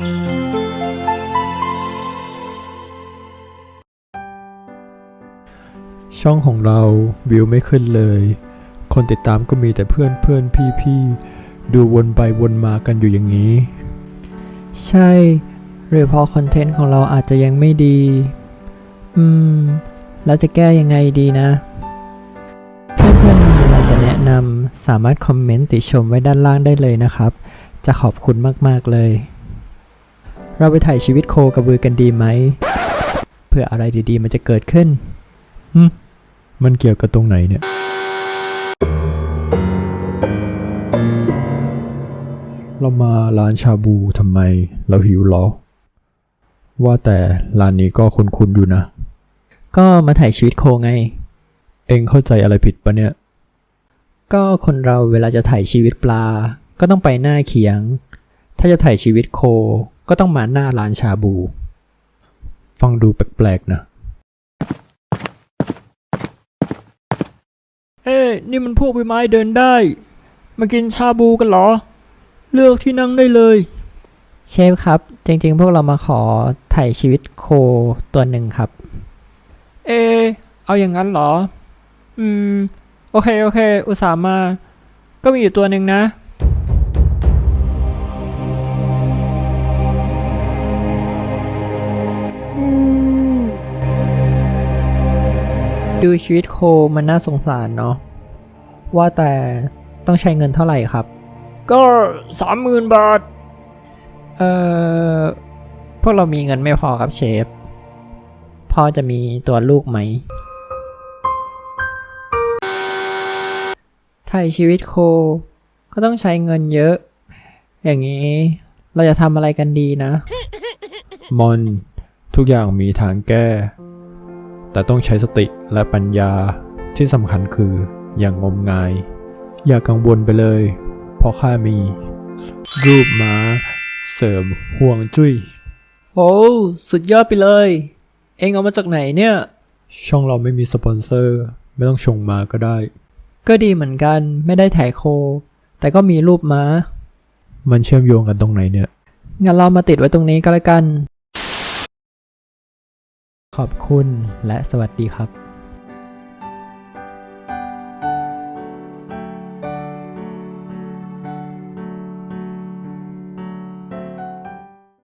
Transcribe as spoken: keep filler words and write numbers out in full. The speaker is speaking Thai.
ช่องของเราวิวไม่ขึ้นเลยคนติดตามก็มีแต่เพื่อนเพื่อนพี่พี่ดูวนไปวนมากันอยู่อย่างนี้ใช่หรือเพราะคอนเทนต์ของเราอาจจะยังไม่ดีอืมแล้วจะแก้ยังไงดีนะเพื่อนๆมีอะไรจะแนะนำสามารถคอมเมนต์ติชมไว้ด้านล่างได้เลยนะครับจะขอบคุณมากๆเลยเราไปถ่ายชีวิตโคกระบือกันดีไหมเพื่ออะไรดีๆมันจะเกิดขึ้นหึมันเกี่ยวกับตรงไหนเนี่ยเรามาร้านชาบูทำไมเราหิวหรอว่าแต่ร้านนี้ก็คุ้นๆอยู่นะก็มาถ่ายชีวิตโคไงเอ็งเข้าใจอะไรผิดปะเนี่ยก็คนเราเวลาจะถ่ายชีวิตปลาก็ต้องไปหน้าเขียงถ้าจะถ่ายชีวิตโคก็ต้องมาหน้าร้านชาบูฟังดูแปลกๆนะเอ้นี่มันพวกใบไม้เดินได้มากินชาบูกันเหรอเลือกที่นั่งได้เลยเชฟครับจริงๆพวกเรามาขอถ่ายชีวิตโคตัวหนึ่งครับเอเอาอย่างนั้นเหรออืมโอเคโอเคอุตส่าห์มาก็มีอยู่ตัวหนึ่งนะดูชีวิตโคมันน่าสงสารเนาะว่าแต่ต้องใช้เงินเท่าไหร่ครับก็สามหมื่นบาทเอ่อพวกเรามีเงินไม่พอครับเชฟพอจะมีตัวลูกไหมถ่ายชีวิตโคก็ต้องใช้เงินเยอะอย่างนี้เราจะทำอะไรกันดีนะมอนทุกอย่างมีทางแก้แต่ต้องใช้สติและปัญญาที่สำคัญคืออย่างงมงายอย่ากังวลไปเลยเพราะข้ามีรูปม้าเสริมห่วงจุ้ยโอ้สุดยอดไปเลยเอ็งเอามาจากไหนเนี่ยช่องเราไม่มีสปอนเซอร์ไม่ต้องชงมาก็ได้ก็ดีเหมือนกันไม่ได้ถ่ายโคแต่ก็มีรูปม้ามันเชื่อมโยงกันตรงไหนเนี่ยงั้นเรามาติดไว้ตรงนี้ก็แล้วกันขอบคุณและสวัสดีครับ